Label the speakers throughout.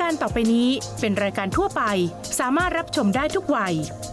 Speaker 1: การต่อไปนี้เป็นรายการทั่วไปสามารถรับชมได้ทุกวัย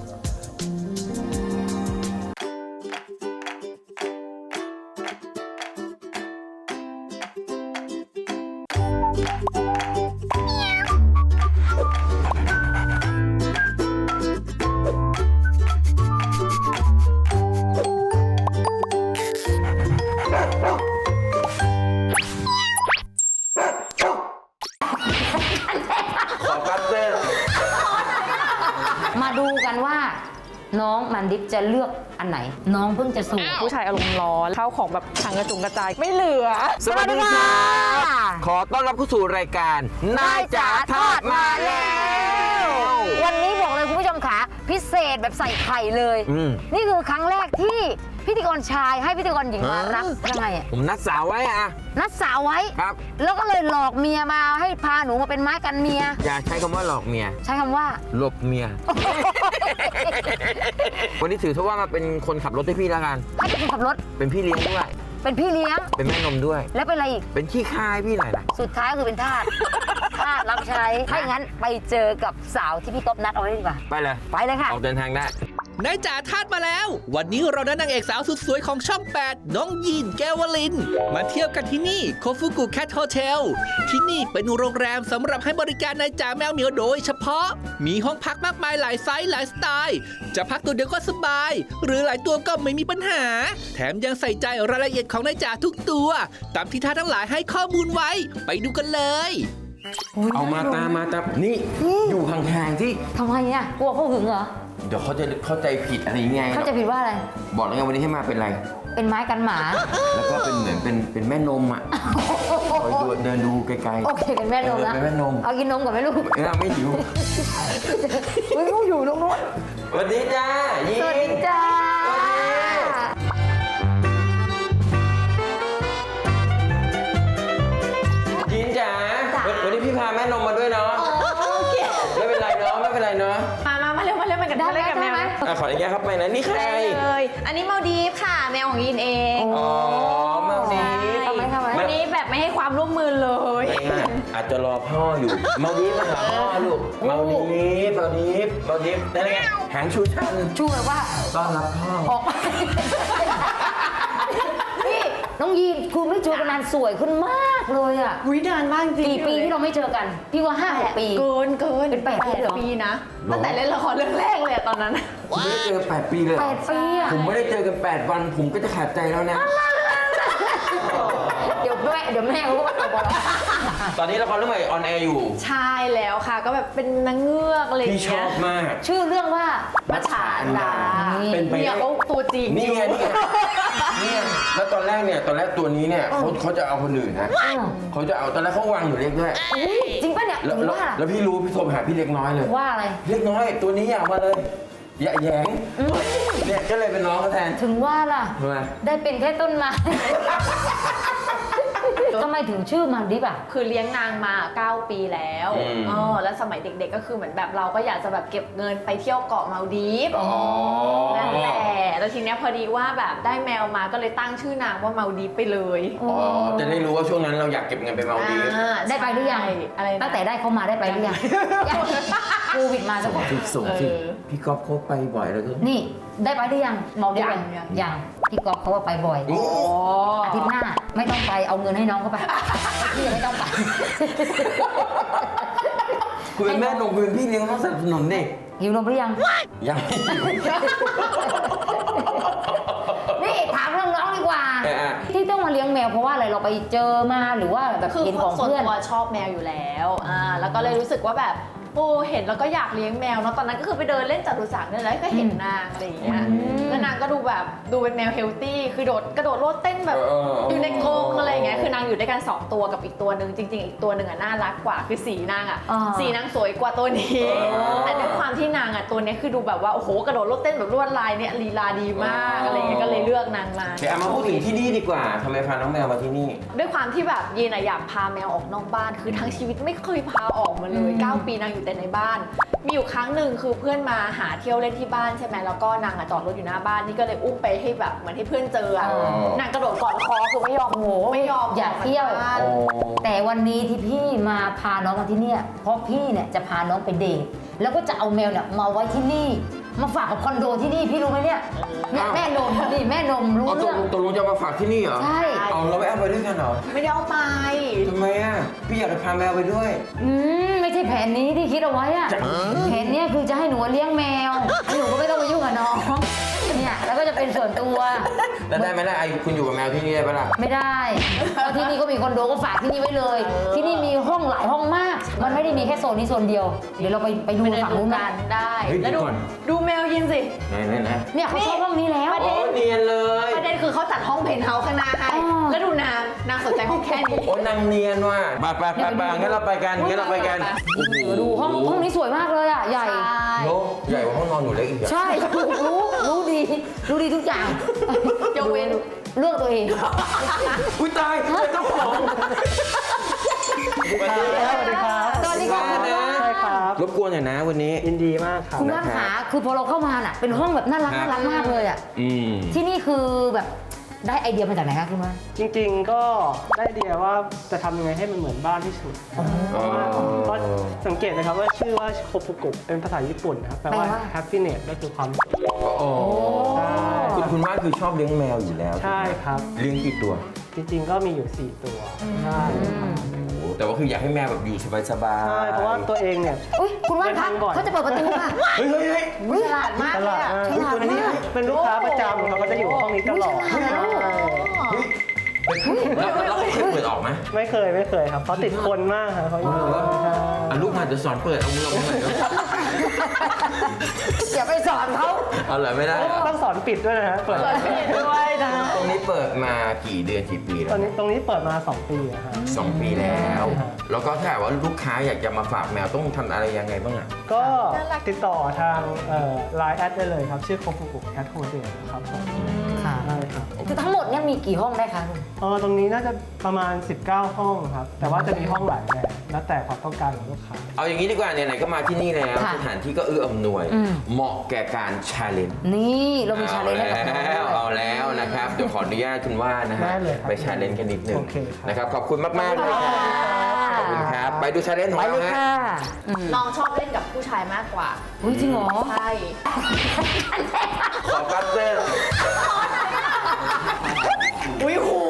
Speaker 2: มาดูกันว่าน้องมันดิฟจะเลือกอันไหนน้องเพิ่งจะสูง
Speaker 3: ผู้ชายอารมณ์ร้อนเข้าของแบบถังกระจุงกระจายไม่เหลือ
Speaker 4: สวัสดีค่ะขอต้อนรับเข้าสู่รายการนายจ๋าทอดมาแล้ว
Speaker 2: วันนี้บอกเลยคุณผู้ชมค่ะพิเศษแบบใส่ไข่เลยนี่คือครั้งแรกที่พิธีกรชายให้พิธีกรหญิงมารับยังไงอ่ะ
Speaker 4: ผมนัดสาวไว้อะ
Speaker 2: นัดสาวไว้
Speaker 4: ครับ
Speaker 2: แล้วก็เลยหลอกเมียมาให้พาหนูมาเป็นไม้กันเมีย
Speaker 4: อย่าใช้คำว่าหลอกเมีย
Speaker 2: ใช้คำว่า
Speaker 4: หลบเมีย วันนี้ถือว่ามาเป็นคนขับรถให้พี่แล้วกัน
Speaker 2: ให้เป็นคนขับรถ
Speaker 4: เป็นพี่เลี้ยงด้วย
Speaker 2: เป็นพี่เลี้ยง
Speaker 4: เป็นแม่นมด้วย
Speaker 2: แล้วเป็นอะไรอีก
Speaker 4: เป็นขี้ข้าให้พี่หน่อยนะ
Speaker 2: สุดท้ายก็คือเป็นทาส ทาสรับใช้ถ้าอย่างนั้นไปเจอกับสาวที่พี่ก๊อฟนัดเอาไว้ดีกว่า
Speaker 4: ไปเลย
Speaker 2: ไปเลยค่ะ
Speaker 4: ออกเดินทางได้
Speaker 5: นายจ๋าทาสมาแล้ว วันนี้เราได้นางเอกสาวสุดสวยของช่อง 8 น้องยีนแก้ววลิน มาเที่ยวกันที่นี่โคฟุกุแคทโฮเทลที่นี่เป็นโรงแรมสำหรับให้บริการนายจ๋าแมวเหมียวโดยเฉพาะ มีห้องพักมากมายหลายไซส์หลายสไตล์ จะพักตัวเดียวก็สบาย หรือหลายตัวก็ไม่มีปัญหา แถมยังใส่ใจรายละเอียดของนายจ๋าทุกตัว ตามที่ท่านทั้งหลายให้ข้อมูลไว้ ไปดูกันเลย
Speaker 4: เอามาตามนี่อยู่ห่างๆที่
Speaker 2: ทำไมอ่ะกลัวเขาหึงเหรอ
Speaker 4: เดี๋ยวเขาจะเข้าใจผิดอะไรอย่างเงี้ย
Speaker 2: เขาจะผิดว่าอะไร
Speaker 4: บอกแล้วไงวันนี้ให้มาเป็นอะไร
Speaker 2: เป็นไม้กันหมา
Speaker 4: แล้วก็เป็นเหมือนเป็นแม่นมอ่ะคอยเดินดูไกลๆ
Speaker 2: โอเคเป็นแม่นมนะ
Speaker 4: เป็นแม่นม
Speaker 2: เอากินนมก่อนไหมลูก
Speaker 4: ไม่หิว
Speaker 2: ไม่รู้อยู่ตรงนู้น
Speaker 4: สวัสดีจ้ายิน
Speaker 2: สวัสดีจ้า
Speaker 4: ยินจ๋าวันนี้พี่พาแม่นมมาด้วยเนาะไม่เป็นไรเนาะไม่เป็นไรเนาะ
Speaker 3: มาเร็วมากัน
Speaker 2: ได้ไหม
Speaker 3: เล่นกับ
Speaker 2: ได้
Speaker 3: แมว
Speaker 2: ไหม
Speaker 4: ขออนุญาตครับไปนะนี่ใคร
Speaker 3: ได้เลย อันนี้มาดีฟค่ะ แมวของยินเอง
Speaker 4: อ๋อมาดี
Speaker 2: ทำไม
Speaker 3: วันนี้แบบไม่ให้ความร่วมมือเลย
Speaker 4: อาจจะรอพ่ออยู่มาดีมาหาพ่อลูกมาดีได้ไงหางชูชัน
Speaker 2: ชูแบบว่า
Speaker 4: ต้อนรับพ่อ
Speaker 2: ออกไปนี่น้องยีนคือไม่เจอกันนานสวยขึ้นมากเลยอ่ะ
Speaker 3: วินานมากจริง
Speaker 2: กี่ปีที่เราไม่เจอกัน พี่ว่า5-6 ปี
Speaker 3: เกิน
Speaker 2: เป็น8 ปีเหรอ
Speaker 3: ปีนะตั้งแต่เล่นละครเรื่องแรกเลยอะตอนนั้น
Speaker 4: ผมไม่ได้เจอ8 ปีเลย
Speaker 2: 8 ปีอ่ะ
Speaker 4: ผมไม่ได้เจอกัน8 วันผมก็จะขาดใจแล้วนะ
Speaker 2: เดี๋ยวแม่เขาก็มาตบเรา
Speaker 4: ตอนนี้ละครเรื่องใหม่ออนแอร์อยู่
Speaker 3: ใช่แล้วค่ะ ก็แบบเป็นนางเงือกอะไรอย่าง
Speaker 4: พี่ช
Speaker 3: เงี้
Speaker 4: อย บมาก
Speaker 2: ชื่อเรื่องว่า
Speaker 3: มัจฉาอันดา
Speaker 4: เป็นไป
Speaker 3: เนี่ย
Speaker 4: ได้
Speaker 3: เขาตัวจริง
Speaker 4: นี่ไงแล้วตอนแรกตัวนี้เนี่ยเขาจะเอาคนอื่นนะเขาจะเอาตอนแรกเขาวางอยู่เล็กด้วย
Speaker 2: จริงป่ะเนี่ย
Speaker 4: แล้ว
Speaker 2: ถึงว่า
Speaker 4: แล้วพี่รู้พี่โทรไปหาพี่เล็กน้อยเลย
Speaker 2: ว่าอะไร
Speaker 4: เล็กน้อยตัวนี้อยากมาเลยอย่าแหยงเนี่ยก็เลยเป็นน้องเขาแทน
Speaker 2: ถึงว่าล่ะ
Speaker 4: ทำไม
Speaker 2: ได้เป็นแค่ต้นไม้ ทำไมถึงชื่อมันดิบอ่ะ
Speaker 3: คือเลี้ยงนางมา 9 ปีแล้วแล้วสมัยเด็กๆก็คือเหมือนแบบเราก็อยากจะแบบเก็บเงินไปเที่ยวเกาะมาลดีฟนั่นแหละแล้วทีเนี้ยพอดีว่าแบบได้แมวมาก็เลยตั้งชื่อนางว่ามาลดีฟไปเลย
Speaker 4: จะได้รู้ว่าช่วงนั้นเราอยากเก็บเงินไปมาดีฟ
Speaker 2: ได้ไปหรือยัง
Speaker 3: อะไรนะ
Speaker 2: ตั้งแต่ได้เขามาได้ไปหรือยังโควิดมาสัก
Speaker 4: ส่งสิพี่ก๊อฟเขาไปบ่อยแล้วก็
Speaker 2: นี่ได้ไปหรือยังเมาได้
Speaker 3: ยัง
Speaker 2: ยังพี่ก๊อฟเขาว่าไปบ่อย
Speaker 4: โอ้
Speaker 2: อาทิตย์หน้าไม่ต้องไปเอาเงินให้น้องเขาไปพี่ไม่ต้องไป
Speaker 4: คุณเป็นแม่นมคุณเป็นพี่เลี้ยงต้องสนับสนุนดิ
Speaker 2: หิวนมหรือยัง
Speaker 4: ยัง
Speaker 2: นี่ถามเรื่องน้องดีกว่า ที่ต้องมาเลี้ยงแมวเพราะว่าอะไรเราไปเจอมาหรือว่าแบบ
Speaker 3: คือ
Speaker 2: เห็นของ
Speaker 3: ส่วน
Speaker 2: เพื่อน
Speaker 3: ตัวชอบแมวอยู่แล้วแล้วก็เลยรู้สึกว่าแบบโอ้เห็นแล้วก็อยากเลี้ยงแมวเนาะตอนนั้นก็คือไปเดินเล่นจตุจักรเนี่ยแล้วก็เห็นนางอะไรอย่างเงี้ยแล้วนางก็ดูแบบดูเป็นแมวเฮลตี้คือกระโดดโลดเต้นแบบอยู่ในกรงอะไรอย่างเงี้ยคือนางอยู่ด้วยกัน2 ตัวกับอีกตัวหนึ่งจริงๆอีกตัวหนึ่งอ่ะน่ารักกว่าคือสีนางอ่ะสีนางสวยกว่าตัวนี้แต่ด้วยความที่นางอ่ะตัวนี้คือดูแบบว่าโอ้โหกระโดดโลดเต้นแบบลวดลายเนี่ยลีลาดีมากอะไรเงี้ยก็เลยเลือกนางมา
Speaker 4: แต่เอามาพูดถึงที่นี่ดีกว่าทำไมพาน้องแมวมาที่นี่
Speaker 3: ด้วยความที่แบบยีนอะอยากพาแมวออกนอกบ้านคือทั้งชีวิตไม่เคยพาออกมาเลย9 ปีนางอยู่แต่ในบ้าน มีอยู่ครั้งหนึ่งคือเพื่อนมาหาเที่ยวเล่นที่บ้านใช่ไหมแล้วก็นางอะจอดรถอยู่หน้าบ้านนี่ก็เลยอุ้มไปให้แบบเหมือนให้เพื่อนเจออะนางกระโดดกอดคอคือไม่ยอมไม่ยอม
Speaker 2: อยากเที่ยว
Speaker 3: ออกจากบ้าน
Speaker 2: แต่วันนี้ที่พี่มาพาน้องมาที่เนี่ยเพราะพี่เนี่ยจะพาน้องไปเดทแล้วก็จะเอาแมวเนี่ยมาไว้ที่นี่ มาฝากกับคอนโดที่นี่พี่รู้ไหมเนี่ยแม่นมนี่แม่นมรู้
Speaker 4: เอาต
Speaker 2: เรื่อง
Speaker 4: ตกลงจะมาฝากที่นี่เหรอ
Speaker 2: ใช่
Speaker 4: เอาเราไม่เอาไปด้วยกันเหรอ
Speaker 3: ไม่ได้เอาไป
Speaker 4: ทำไมอ่ะพี่อยากจะพาแมวไปด้วย
Speaker 2: ไม่ใช่แผนนี้ที่คิดเอาไว้อะแผนเนี้ยคือจะให้หนูเลี้ยงแมวหนูก็ไม่ต้องมายุ่งกับน้องเนี่ยแล้วก็จะเป็นส่วนตัว
Speaker 4: แล้วได้ไหมล่ะไอ้คุณอยู่กับแมวที่นี่ได้ปะล่ะ
Speaker 2: ไม่ได้เพราะที่นี่ก็มีคอนโดก็ฝากที่นี่ไว้เลย ที่นี่มีห้องหลายห้องมาก มันไม่ได้มีแค่โซนนี้โซนเดียว เดี๋ยวเราไปดู
Speaker 3: ไปเดิน
Speaker 2: ฝั่ง
Speaker 3: ดู
Speaker 2: นู้น
Speaker 3: กั
Speaker 2: กัน
Speaker 3: นได้
Speaker 4: เฮ้ย
Speaker 3: แล้ว
Speaker 4: เดี๋
Speaker 3: ดู
Speaker 4: ยวก่อน
Speaker 3: ดูแมวยินสิ
Speaker 4: ไหน
Speaker 2: เนี่ยเขาชอบห้องนี้แล้ว
Speaker 3: ประ
Speaker 4: โอ้
Speaker 3: เด็น
Speaker 4: เนียนเลย
Speaker 3: ประเด็นคือเขาจัดห้องเพนท์เฮาส์ข้างหน้าให้
Speaker 2: อ๋อ
Speaker 3: แล้วดูนางสนใจห้องแค่นี้
Speaker 4: โอ้นางเนียนว่ะไปงั้นเราไปกันงั้นเราไปกัน
Speaker 2: ดูห้องนี้สวยมากเลยอ่ะใหญ่
Speaker 4: โลใหญ่กว่าห้องนอนหนูเล็กอีกอ่ะ
Speaker 2: ใช่รู้ดีทุกอย่าง
Speaker 3: ยกเว้น
Speaker 2: เลือกตัวเอง
Speaker 4: อุ้ยตายเป็นเจ้าของ
Speaker 6: สวัสดีครับ
Speaker 2: สวัสดีค่ะ
Speaker 6: ใช่ครับ
Speaker 4: รบกวนหน่อยนะวันนี้
Speaker 6: ยินดีมากครับ
Speaker 2: คุณว่านขาคือพอเราเข้ามาน่ะเป็นห้องแบบน่ารักมากเลยอ่ะ
Speaker 4: อืม
Speaker 2: ที่นี่คือแบบได้ไอเดียมาจากไหนคะคุณว่าน
Speaker 6: จริงๆก็ได้ไอเดียว่าจะทำยังไงให้มันเหมือนบ้านที่สุดเพราะว่าก็สังเกตนะครับว่าชื่อว่าโคฟุกุเป็นภาษาญี่ปุ่นนะครับแปลว่า happiness ก็คือความสุข
Speaker 4: โอ้
Speaker 6: ใช่
Speaker 4: คุณว่าคือชอบเลี้ยงแมวอยู่แล้ว
Speaker 6: ใช่ครับ
Speaker 4: เลี้ยงกี่ตัว
Speaker 6: จริงๆก็มีอยู่ 4 ตัวใช่
Speaker 4: โอ้แต่ว่าคืออยากให้แมวแบบอยู่สบายๆ
Speaker 6: ใช่เพราะว่าตัวเองเนี่ย
Speaker 2: อุ้ยคุณว่านคะ
Speaker 6: เดินทางบ่อย
Speaker 2: เขาจะเปิดประตูค่ะ
Speaker 4: เฮ้ย
Speaker 2: อุ๊ยฉลาดมาก
Speaker 6: ต
Speaker 2: เล
Speaker 6: ลาย ด
Speaker 2: อะ
Speaker 6: มาก
Speaker 2: ฉลาดมาก
Speaker 6: เป็นลูกค้าประจำเขาก็จะอยู่ห้องนี้ตลอด
Speaker 2: อุ๊ยฉลาดนะลูก
Speaker 4: แล้วเขาเคยเปิดออกไหม
Speaker 6: ไม่เคยครับเขาติดคนมากครับเขาอยู่
Speaker 4: เหรอ
Speaker 6: ใช่
Speaker 4: อ่ะลูกมาจะสอนเปิดเอามือออกมาหน่อยเนอะ
Speaker 2: อย่าไปสอนเขา
Speaker 4: เอาเหรอไม่ได้เหรอ
Speaker 6: ต้องสอนปิดด้วยนะฮะเปิด
Speaker 3: ด้วยนะ
Speaker 4: ตรงนี้เปิดมากี่เดือนกี่ปี
Speaker 6: ต
Speaker 4: แล้
Speaker 6: อ
Speaker 4: วน
Speaker 6: นี้ตรงนี้เปิดมา 2 ปีอะฮะ
Speaker 4: 2 ปีแล้ว
Speaker 6: ใช่ครับ
Speaker 4: แล้วก็ถ้าหากว่าลูกค้าอยากจะมาฝากแมวต้องทำอะไรยังไงบ้างอ่ะ
Speaker 6: ก็ติดต่อทางLine แอดได้เลยครับ ชื่อโคฟุกุแคทโฮเดลครับผม
Speaker 2: ค่ะ
Speaker 6: ได้ครับ
Speaker 2: คือทั้งหมดเนี่ยมีกี่ห้องได้คะคุณ
Speaker 6: ตรงนี้น่าจะประมาณ 19 ห้องครับ แต่ว่าจะมีห้องหลายแบบแล้วแต่ความต้องการของลูกค้า
Speaker 4: เอาอย่างนี้ดีกว่าไหนๆก็มาที่นี่แล้ว
Speaker 2: ค่ะ
Speaker 4: สถานที่ก็เอื้ออำนวย
Speaker 2: อืม
Speaker 4: เหมาะแก่การชาเลนจ์
Speaker 2: นี่เรามีชาเลนจ์ให้กับน้องด้วย
Speaker 4: เอาแล้วนะครับ เดี๋ยวขออนุญาตคุณว่านะฮะ
Speaker 6: ได้เลยครับ
Speaker 4: ไปชาเลนจ์กันนิดหนึง
Speaker 6: โอเคครับ
Speaker 4: นะครับขอบคุณมากๆเลยครับขอบคุณครับ ไปดูชาเลนจ์ของ
Speaker 2: ไป
Speaker 4: เรา
Speaker 2: เลย
Speaker 4: ฮะ
Speaker 2: ค่ะอืม
Speaker 3: น้องชอบเล่นกับผู้ชายมากกว่า
Speaker 2: อุ๊ยจริงเหรอ
Speaker 3: ใช่
Speaker 4: ขอปัตเตอร์
Speaker 3: อุ้ยหู